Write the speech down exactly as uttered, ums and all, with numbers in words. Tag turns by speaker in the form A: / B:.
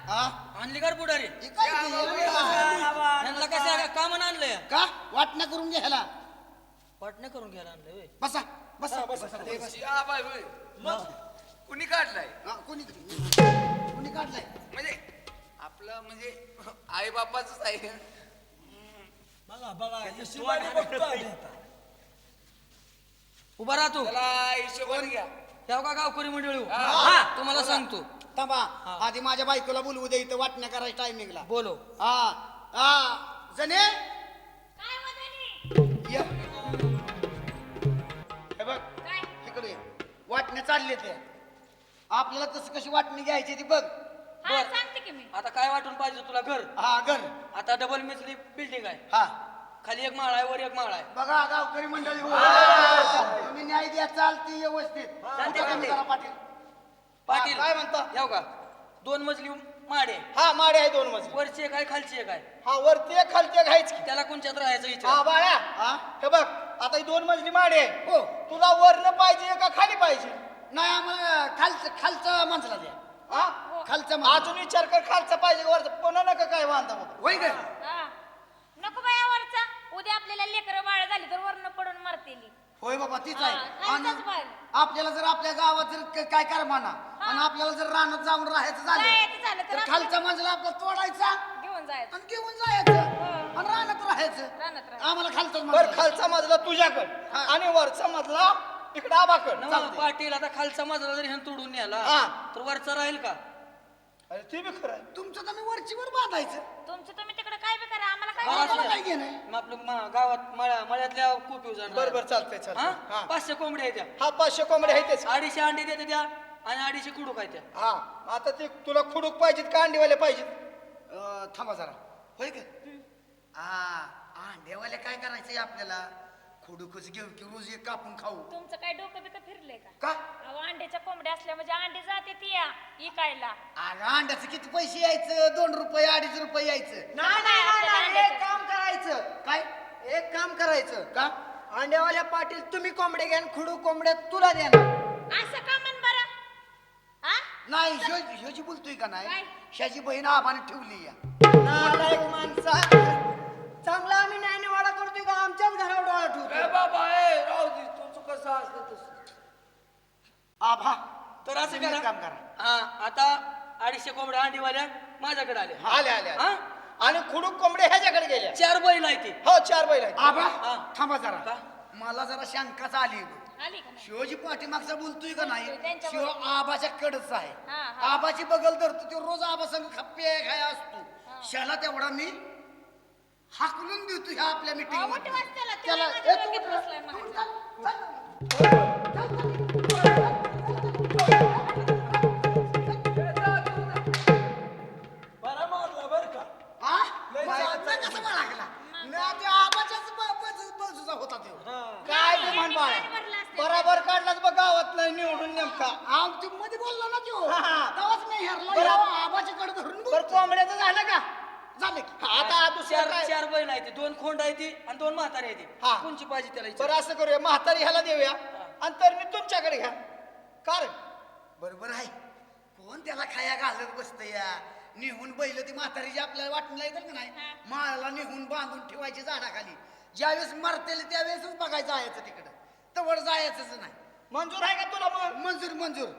A: हा
B: आणली कर पुढारी
A: हे काय ते?
B: यांना कसं का म्हणून आणलंय
A: का वाटण्या करून घ्यायला
B: वाटणं करून घ्यायला आणलंय होय.
A: बसा बसा बसा ते बस.
C: या बाय होय. मग कुणी काढलाय
A: हा, कोणी कोणी काढलाय
C: म्हणजे आपलं म्हणजे आई बापाच आहे.
D: बघा बघा हिशोबाने बघतो आम्ही आता.
B: उभा राहतो
C: त्याला हिशोबाने घ्या.
B: तेव्हा का गावकरी मंडळी
C: हा.
B: हा तुम्हाला सांगतो
A: थांबा आधी माझ्या बायकोला बोलवू दे इथं वाटण्या करायच्या टायमिंगला
B: बोलो
A: हा हा जने ये. हे बघ इकडे ये. वाटण्या चालले ते आपल्याला कसं कशी वाटणी घ्यायची ती बघ
E: हा सांगते की मी
B: आता काय वाटून पाहिजे तुला घर
A: हा घर
B: आता डबल मिसली बिल्डिंग आहे
A: हा
B: खाली एक माळ आहे वर एक माळ आहे
A: बघा गावकरी मंडळी हो. तुम्ही न्याय द्या चालती व्यवस्थित
B: चालते, चालते.
A: जरा पाटील
B: पाटील
A: काय म्हणता?
B: येऊ का दोन मजली माड आहे
A: हा माडे आहे दोन मजली
B: वरची एक आहे खालची एक आहे
A: हा वरती एक खालती एक आहेच की
B: त्याला कोणच्यात राहायचं
A: हा
B: विचार
A: बाळा हे बघ आता ही दोन मजली माडे आहे हो तुला वरनं पाहिजे का खाली पाहिजे नाही आम्हाला खालचं खालचं माणसाला द्या हा खालचं अजून विचार कर खालचं पाहिजे का वरचं पुन्हा नका काय बांधा होय का
E: हा. नको बाया वरचा उद्या आपल्याला लेकरं बाळ झाली तर वरनं पडून मरतेली
A: होय बाबा तीच
E: हा,
A: आहे
E: खालचंच
A: आणि
E: पाहिजे.
A: आपल्याला जर आपल्या गावात जर क- काय कर म्हणा आणि आपल्याला जर रानात जाऊन राहायचं
E: जायचं
A: झालं
E: झालं तर
A: तर
E: आपलं-
A: खालचा माणसाला आपला तोडायचा
E: घेऊन जायचं
A: आणि घेऊन जायचं
E: हो.
A: आणि रानात राहायचं
E: रानात राहायचं.
A: आम्हाला खालचा
F: बर खालचा मजला तुझ्याकडे
A: हा.
F: आणि वरचा मजला इकडे आबाकड
B: नवा पाटील आता खालचा मजला जरी ह्यानं तोडून न्याला
F: हा.
B: तर वरचा राहील का
F: अरे ते बी खरं आहे.
A: तुमचं तर मी वरचीवर बांधायचं
E: तुमचं तुम्ही तिकडे काय बी करा आम्हाला काय
B: बरं, असू
A: आम्हाला
B: द्या.
A: काय घेणं आहे?
B: मग आपलं मा- गावात मळ्या- मळ्यातल्या कोपी
F: बर बर चालतंय चालतंय
B: हा
F: हा
B: पाचशे कोंबड्या आहेत त्या
F: हा पाचशे कोंबडे आहे तेच
B: अडीचशे अंडे देते त्या आणि अडीचशे कुडू काय त्या
F: हा आता ते तुला खुडूक पाहिजेत का अंडीवाले पाहिजेत
A: अं, थांबा जरा होय का हा अंड्यावाले काय करायचंय आपल्याला खोडूकच घेऊ की रोज एक कापून खाऊ
E: तुमचं काय डोकं बिकं फिरलंय का
A: का
E: अहो अंड्याच्या कोंबड्या असल्या म्हणजे अंडे जाते ती या इकायला
A: अगं अंड्याचं किती पैसे यायचं दोन रुपये अडीच रुपये यायचं
F: नाही
E: नाही, नाही, नाही,
F: एक काम करायचं
A: काय
F: एक काम करायचं
A: का
F: अंड्यावाल्या पाटील तुम्ही कोंबडे घ्या आणि खुडूक कोंबड्या तुला द्या ना
E: असं का म्हण बरं हा
A: नाही ह्यो ह्योची बोलतोय का नाही
E: काय?
A: ह्याची बहीण आबाने ठेवली या
F: नालायक माणसा चांगला आम्ही नाही निवाडा करतोय का आमच्याच घरावर डोळा
C: ए
F: ठेवतो
C: बाबा ए राहू दे तुझं कसं असतं तसं.
A: आभा
B: तर असं
A: तुम्ही एक
B: करा
A: काम करा
B: हा आता अडीचशे कोंबड्या अंडीवाल्या माझ्याकडे आल्या
F: आले आले आले.
B: हा
F: आणि खुडूक कोंबडे ह्याच्याकडे गेल्या
B: चार बैल आहे ते
F: हो चार बैल आहेत
A: आबा
B: हा.
A: थांबा जरा
B: का?
A: मला जरा शंकाच आली
E: आली का नाही
A: शिवजी पाठीमागचा बोलतोय का नाही
E: बोलतोय, त्यांच्या
A: शिव
E: बरोबर.
A: आबाच्या कडच आहे
E: हा, हा.
A: आबाची बगल धरतो तो रोज आबा संग खप्पे खाय असतो शाला तेवढा मी हाकलून देतो ह्या आपल्या
E: अहो,
A: मीटिंग
E: मोठी वाजतेला,
A: त्याला
E: त्याला माझ्या
A: ए, तू
E: डोक्यात
A: उठ,
E: बसलाय
A: तू उठ,
E: म्हणायचं.
A: चल, चल, चल,
D: बरा मारला बर का
A: हा? माझा कसा बाळगला? नाही, ते आबाच्याच ब- बाजू- बाजूचा होता तो.
F: काय ते
E: यांनी
F: म्हण बाळा
E: पाणी भरलं असतं.
F: बराबर काढलाच बघ गावात नाही निवडून नेमका
A: हा, ते मध्ये बोलला ना तो
F: हा, हा.
A: तेव्हाच मी हरला
F: बरं.
A: ह्या आबाच्या कडे धरून
F: बर
A: बोलतो.
F: कोंबड्याचं झालं का
A: झाले की.
F: आता दुसरं
B: चार
F: काय
B: चार बैल आहे ते दोन खोंड आहे ती आणि दोन म्हातारे आहे ते
F: हा.
B: कोणची पाहिजे त्याला
F: बरं
B: विचार.
F: असं करूया म्हातारी ह्याला देऊया आणि तर मी तुमच्याकडे घ्या कारण
A: बरोबर आहे कोण त्याला खाया घालत बसत या निहून बैल ती म्हातारीची आपल्याला वाटून येतात का नाही माळाला निहून बांधून ठेवायची झाडाखाली ज्यावेळेस मरतेल त्यावेळेसच बघायचं जायचं तिकडं तवड जायचंच नाही
F: मंजूर आहे का तुला मग
A: मंजूर मंजूर